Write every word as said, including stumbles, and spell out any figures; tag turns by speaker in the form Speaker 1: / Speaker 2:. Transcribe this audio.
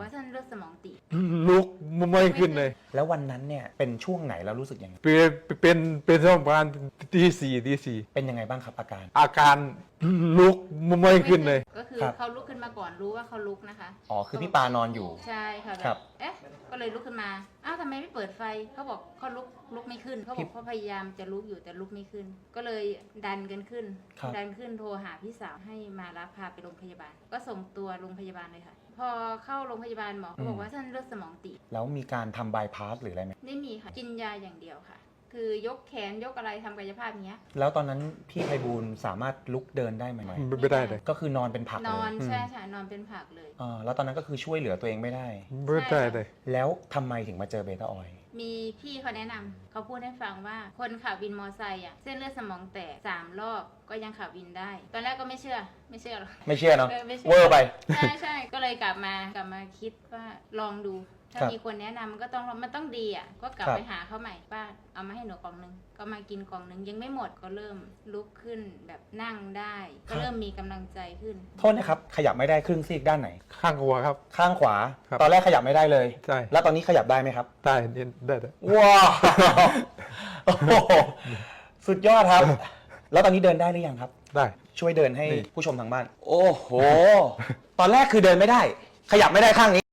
Speaker 1: ว่าเส้นเลือดสมองตีบ
Speaker 2: ลุกไม่ขึ้นเลย
Speaker 3: แล้ววันนั้นเนี่ยเป็นช่วงไหนแล้วรู้สึกยังไง
Speaker 2: เป็นเป็นเป็นช่วงประมาณตีสี่ตีสี่
Speaker 3: เป็นยังไงบ้างครับอาการ
Speaker 2: อาการลุกไม่ขึ้นเลย
Speaker 1: ก็คือเขาลุกขึ้นมาก่อนรู้ว่าเขาลุกนะคะ
Speaker 3: อ๋อคือพี่ปานอนอยู่
Speaker 1: ใช่ค่ะแบบเอ๊ะก็เลยลุกขึ้นมาอ้าวทำไมไม่เปิดไฟเขาบอกเขาลุกลุกไม่ขึ้นเขาบอกเขาพยายามจะลุกอยู่แต่ลุกไม่ขึ้นก็เลยดันกันขึ้นดันขึ้นโทรหาพี่สาวให้มารับพาไปโรงพยาบาลก็ส่งตัวโรงพยาบาลเลยค่ะพอเข้าโรงพยาบาลหมอเขาบอกว่าเส้นเลือดสมองตีบ
Speaker 3: แล้วมีการทำบายพาสหรืออะไรไหม
Speaker 1: ไม่มีค่ะกินยาอย่างเดียวค่ะคือยกแขนยกอะไรทำกายภาพเนี้ย
Speaker 3: แล้วตอนนั้นพี่ไพบูลย์สามารถลุกเดินได้ไหม
Speaker 2: ไม่ได้เลย
Speaker 3: ก็คือนอนเป็นผัก
Speaker 1: นอนใช่ใช่นอนเป็นผักเลย
Speaker 3: อ่าแล้วตอนนั้นก็คือช่วยเหลือตัวเองไม่ได้
Speaker 2: ไม่ได้เลย
Speaker 3: แล้วทำไมถึงมาเจอเบต้าออยล์
Speaker 1: มีพี่เขาแนะนำเขาพูดให้ฟังว่าคนขับวินมอไซค์อ่ะเส้นเลือดสมองแตกสามรอบก็ยังขับวินได้ตอนแรกก็ไม่เชื่อไม่เชื่อหรอก
Speaker 3: ไม่เชื่อเนาะเวอร์ไป
Speaker 1: ใช่ใช่ก็เลยกลับมากลับมาคิดว่าลองดูถ้ามีคนแนะนำก็ต้องมันต้องดีอ่ะก็กลับไปหาเขาใหม่ป้าเอามาให้หนูกล่องนึงก็มากินกล่องนึงยังไม่หมดก็เริ่มลุกขึ้นแบบนั่งได้ก็เริ่มมีกำลังใจขึ้น
Speaker 3: โทษนะครับขยับไม่ได้ครึ่งซีกด้านไหน
Speaker 2: ข้างขวาครับ
Speaker 3: ข้างขวาตอนแรกขยับไม่ได้เลย
Speaker 2: ใช่
Speaker 3: แล้วตอนนี้ขยับได้ไหมครับ
Speaker 2: ได้ได้ได้
Speaker 3: ว้าวสุดยอดครับแล้วตอนนี้เดินได้หรือยังครับ
Speaker 2: ได้
Speaker 3: ช่วยเดินให้ผู้ชมทางบ้านโอ้โหตอนแรกคือเดินไม่ได้ขยับไม่ได้ข้างนี้